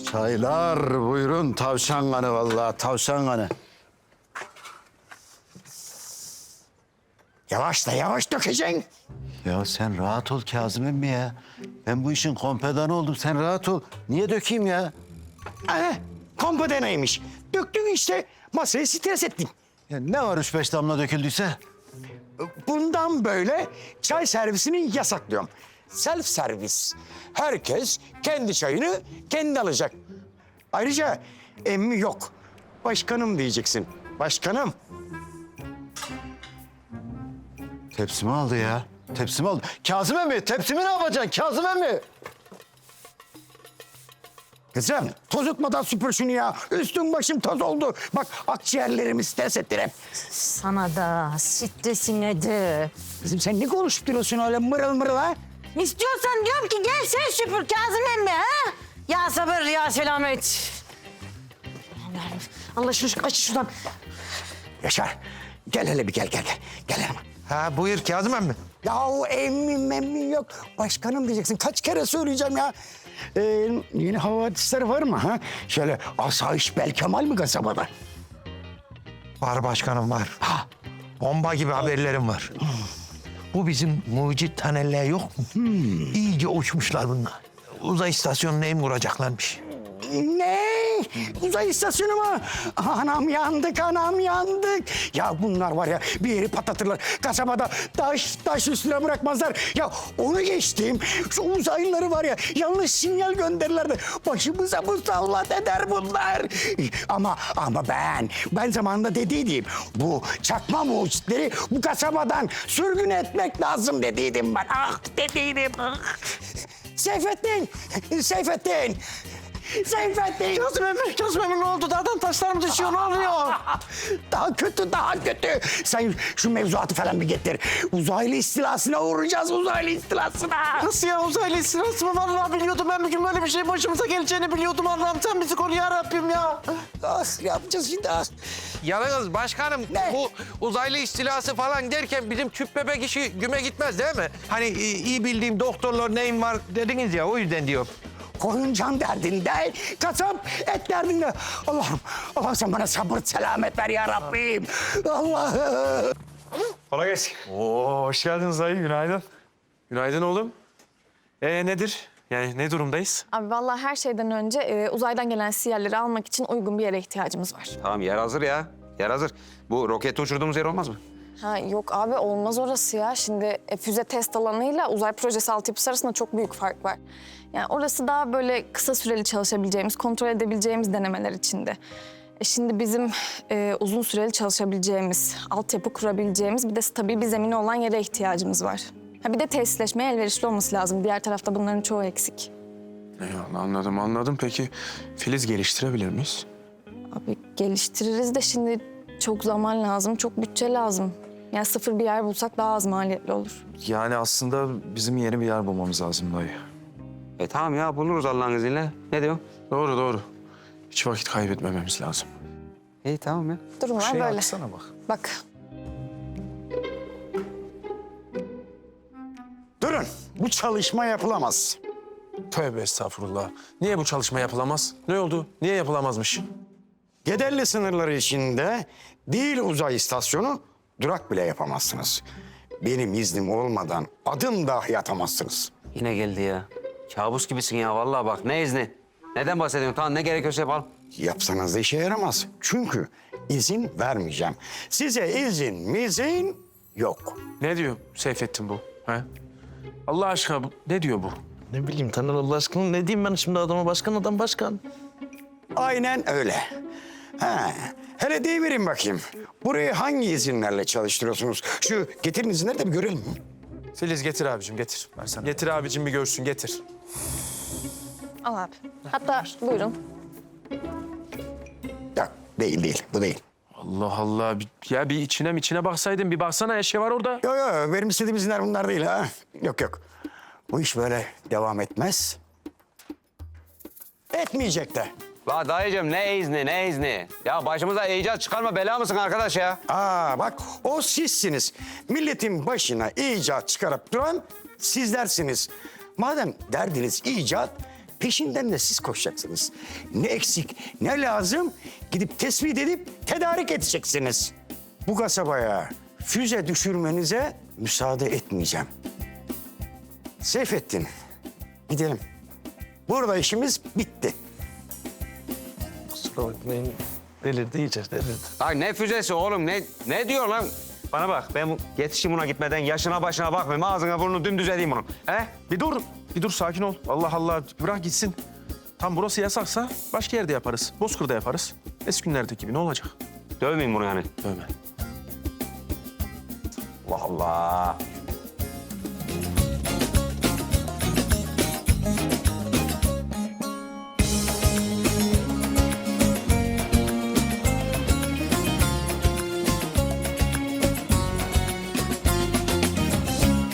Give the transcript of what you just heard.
Çaylar buyurun, tavşan kanı vallahi, tavşan kanı. Yavaş da yavaş dökeceksin. Ya sen rahat ol Kazım emmi ya. Ben bu işin kompedanı oldum, sen rahat ol. Niye dökeyim ya? Kompa neymiş? Döktün işte, masayı stres ettin. Ya ne var 3-5 damla döküldüyse? Bundan böyle çay servisini yasaklıyorum. Self servis. Herkes kendi çayını kendi alacak. Ayrıca emmi yok. Başkanım diyeceksin. Başkanım. Tepsimi aldı ya. Tepsimi aldı. Kazım emmi, tepsimi ne yapacaksın Kazım emmi? Kızım tozutmadan süpür şunu ya. Üstüm başım toz oldu. Bak akciğerlerimi stres ettin hep. Sana da stresine de. Kızım sen ne konuşup duruyorsun öyle mırıl mırıl ha? İstiyorsan diyorum ki gel sen süpür Kazım emmi ha? Ya sabır ya selamet. Allah'ım, Allah şunu aç şuradan. Yaşar gel hele bir gel. Gel hemen. Ha buyur Kazım emmi. Yahu emmi yok. Başkanım diyeceksin. Kaç kere söyleyeceğim ya. Yeni havadisler var mı ha? Şöyle asayiş Belkemal mi kasabada? Var başkanım var. Ha. Bomba gibi haberlerim var. Bu bizim mucit taneller yok mu? İyice uçmuşlar bunlar. Uzay istasyonuna em vuracaklarmış. Ne? Uzay istasyonu mu? Anam yandık. Ya bunlar var ya bir yeri patlatırlar. Kasabada taş üstüne bırakmazlar. Ya onu geçtim. Şu uzaylıları var ya yanlış sinyal gönderirler de başımıza musallat eder bunlar. Ama ben zamanında dediydim. Bu çakma mucitleri bu kasabadan sürgün etmek lazım dediydim ben. Ah dediydim. Seyfettin. Kazım emmi ne oldu? Dağdan taşlar mı düşüyor? Ne oluyor? Daha kötü. Sen şu mevzuatı falan bir getir. Uzaylı istilasına uğrayacağız, uzaylı istilasına. Nasıl ya uzaylı istilası mı? Vallahi biliyordum ben bir gün böyle bir şey başımıza geleceğini biliyordum. Allah'ım sen bizi koru ya Rabbim ya. Ne yapacağız şimdi? Yalnız başkanım Ne? bu uzaylı istilası falan derken bizim tüp bebek işi güme gitmez değil mi? Hani iyi bildiğim doktorlar neyim var dediniz ya o yüzden diyor. Koyun can derdinde, kasap et derdinde. Allah'ım sen bana sabır selamet ver ya Rabbim. Allah'ım. Kolay gelsin. Oo, hoş geldiniz dayı. Günaydın. Günaydın oğlum. Nedir? Yani ne durumdayız? Abi vallahi her şeyden önce uzaydan gelen sinyalleri almak için uygun bir yere ihtiyacımız var. Tamam yer hazır ya. Yer hazır. Bu roketi uçurduğumuz yer olmaz mı? Ha yok abi olmaz orası ya. Şimdi füze test alanıyla uzay projesi altyapısı arasında çok büyük fark var. Yani orası daha böyle kısa süreli çalışabileceğimiz, kontrol edebileceğimiz denemeler içinde. Şimdi bizim uzun süreli çalışabileceğimiz, altyapı kurabileceğimiz bir de stabil bir zemini olan yere ihtiyacımız var. Ha bir de tesisleşmeye elverişli olması lazım. Diğer tarafta bunların çoğu eksik. Eyvallah anladım. Peki Filiz geliştirebilir miyiz? Abi geliştiririz de şimdi çok zaman lazım, çok bütçe lazım. Yani sıfır bir yer bulsak daha az maliyetli olur. Yani aslında bizim yeni bir yer bulmamız lazım dayı. Tamam ya buluruz Allah'ın izniyle. Ne diyorsun? Doğru. Hiç vakit kaybetmememiz lazım. İyi tamam ya. Durumlar böyle. Baksana bak. Bak. Durun, bu çalışma yapılamaz. Tövbe estağfurullah. Niye bu çalışma yapılamaz? Ne oldu? Niye yapılamazmış? Gederli sınırları içinde değil uzay istasyonu, durak bile yapamazsınız. Benim iznim olmadan adım dahi atamazsınız. Yine geldi ya. Kabus gibisin ya vallahi bak ne izni? Neden bahsediyorsun? Tamam ne gerekiyorsa yapalım. Yapsanız da işe yaramaz. Çünkü izin vermeyeceğim. Size izin yok. Ne diyor Seyfettin bu? He? Allah aşkına ne diyor bu? Ne bileyim Taner Allah aşkına ne diyeyim ben şimdi adama başkan başkan. Aynen öyle. Hele deyiverin bakayım. Burayı hangi izinlerle çalıştırıyorsunuz? Şu getirin izinleri de bir görelim. Filiz getir abicim getir. Versene. Getir abicim bir görsün getir. Al abi. Hatta buyurun. Yok değil bu değil. Allah Allah. Ya bir içine baksaydın bir baksana eşya var orada. Yok benim istediğim izinler bunlar değil ha. Yok. Bu iş böyle devam etmez. Etmeyecek de. La dayıcığım ne izni? Ya başımıza icat çıkarma bela mısın arkadaş ya? Bak o sizsiniz. Milletin başına icat çıkarıp duran sizlersiniz. Madem derdiniz icat, peşinden de siz koşacaksınız. Ne eksik, ne lazım gidip tespit edip tedarik edeceksiniz. Bu kasabaya füze düşürmenize müsaade etmeyeceğim. Seyfettin, gidelim. Burada işimiz bitti. Kusura bakmayın. Delirdi iyice, delirdi. Ay ne füzesi oğlum ne diyor lan? Bana bak ben yetişim buna gitmeden yaşına başına bakmayayım. Ağzına burnunu dümdüz edeyim bunu. He? Bir dur sakin ol. Allah Allah bırak gitsin. Tam burası yasaksa başka yerde yaparız. Bozkır'da yaparız. Eski günlerdeki gibi ne olacak? Dövmeyin bunu yani. Dövme. Allah Allah.